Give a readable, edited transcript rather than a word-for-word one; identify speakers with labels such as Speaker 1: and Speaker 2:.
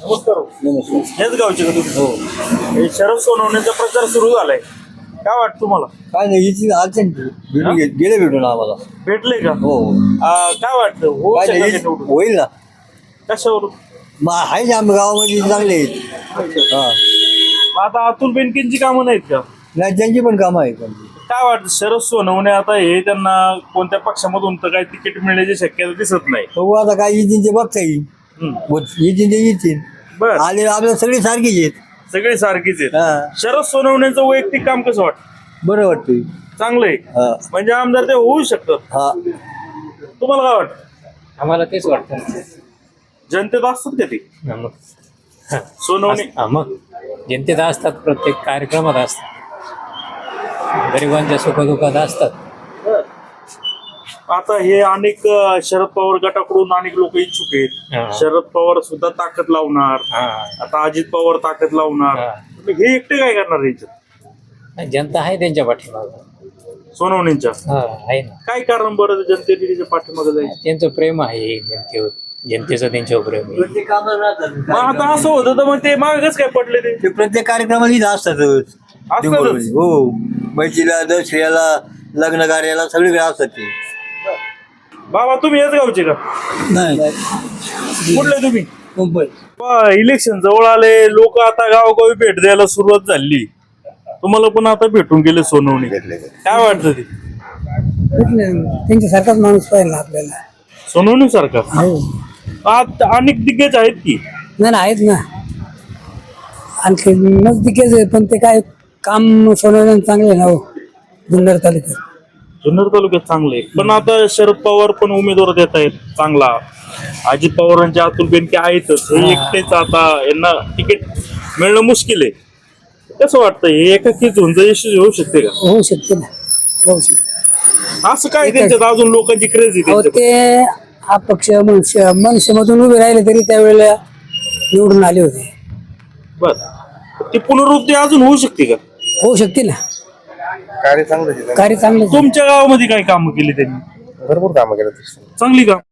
Speaker 1: नमस्कार.
Speaker 2: नमस्कार.
Speaker 1: हेच गावचे का तुम्ही?
Speaker 2: हो.
Speaker 1: हे शरद सोनवणेचा प्रचार सुरू झालाय, काय वाटतं तुम्हाला?
Speaker 2: काय नाही हिची अडचण भेटून गेले भेटून आम्हाला.
Speaker 1: भेटले का?
Speaker 2: हो.
Speaker 1: काय वाटतं होऊ
Speaker 2: काय
Speaker 1: शकेल
Speaker 2: नाही
Speaker 1: का निवडून?
Speaker 2: होईल ना.
Speaker 1: कशावरून?
Speaker 2: मग आहे ना आम्ही गावामध्ये चांगले आहेत. हा.
Speaker 1: मग आता अतुल बेनकेंची कामं नाहीत का?
Speaker 2: नाही त्यांची पण कामं आहेत त्यांची.
Speaker 1: काय वाटतं शरद सोनवणे आता हे त्यांना कोणत्या पक्षामधून तर काही तिकीट मिळण्याची शक्यता दिसत नाही.
Speaker 2: बघू आता काय येतील ते बघता येईल. येतील ते येतील.
Speaker 1: बर,
Speaker 2: आले आपल्याला सगळे सारखीच आहेत.
Speaker 1: सगळे सारखीच आहेत.
Speaker 2: हा.
Speaker 1: शरद सोनवणेचं वैयक्तिक काम कसं वाटतं?
Speaker 2: बरं वाटतंय.
Speaker 1: चांगलं आहे.
Speaker 2: हा.
Speaker 1: म्हणजे आमदार ते होऊ शकतात.
Speaker 2: हा.
Speaker 1: तुम्हाला काय वाटतं?
Speaker 3: आम्हाला तेच वाटतं.
Speaker 1: जनतेत असतात का ते
Speaker 3: मग
Speaker 1: सोनवणे?
Speaker 3: मग जनतेत असतात, प्रत्येक कार्यक्रमात असतात, गरिबांच्या सुखदुःखात असतात.
Speaker 1: आता हे अनेक शरद पवार गटाकडून अनेक लोक इच्छुक आहेत.
Speaker 3: हा.
Speaker 1: शरद पवार सुद्धा ताकद लावणार, आता अजित पवार ताकद लावणार. मग हे एकटे काय करणार याच्यात?
Speaker 3: जनता आहे त्यांच्या पाठीमागं.
Speaker 1: सोनवणेंच्या
Speaker 3: आहे ना.
Speaker 1: काय कारण बरं जनतेने त्याच्या पाठीमागे जायचं?
Speaker 3: त्यांचं प्रेम आहे जनतेवर, जनतेचं त्यांच्यावर प्रेम आहे.
Speaker 2: प्रत्येक कामाला राहतात.
Speaker 1: मग आता असं होतं तर मग ते मागच काय पडले ते?
Speaker 2: ते प्रत्येक कार्यक्रमाला इथं असतातच.
Speaker 1: असतातच?
Speaker 2: हो. बैठीला दसऱ्याला लग्न कार्याला सगळीकडे असतात ते.
Speaker 1: बाबा तुम्ही याच गावचे का?
Speaker 2: नाही
Speaker 1: कुठले तुम्ही?
Speaker 2: मुंबई.
Speaker 1: इलेक्शन जवळ आले, लोक आता गावोगावी भेट द्यायला सुरुवात झाली. तुम्हाला पण आता भेटून गेले सोनवणे, काय वाटतं ते?
Speaker 4: त्यांच्यासारखाच माणूस पाहिजे ना आपल्याला.
Speaker 1: सोनवणे सारखा
Speaker 4: हो.
Speaker 1: अनेक दिग्गज आहेत की.
Speaker 4: नाही आहेत ना, आणखी नजदिकेच आहे, पण ते काय काम सोडवण्याचं चांगले आहे ना हो जुन्नर तालुक्यात.
Speaker 1: जुन्नर तालुक्यात चांगले, पण आता शरद पवार पण उमेदवार देत आहेत चांगला. अजित पवारांचे अतुल बेनके आहेतच, हे एकटेच आता यांना तिकीट मिळणं मुश्किल आहे. कसं वाटतं हे एकाकी झुंज यशस्वी होऊ शकते का?
Speaker 4: होऊ शकते ना, होऊ शकते.
Speaker 1: असं काय त्यांच्यात अजून लोकांची क्रेज
Speaker 4: अहो
Speaker 1: आहे?
Speaker 4: ते अपक्ष मनसेमधून उभे राहिले तरी त्यावेळेला निवडून आले होते.
Speaker 1: बर, ती पुनरुक्ती अजून होऊ शकते का?
Speaker 4: होऊ शकते ना,
Speaker 5: कार्य चांगलं
Speaker 4: कार्य चांगलं.
Speaker 1: तुमच्या गावामध्ये काय कामं केली त्यांनी?
Speaker 5: भरपूर कामं केलं.
Speaker 1: चांगली काम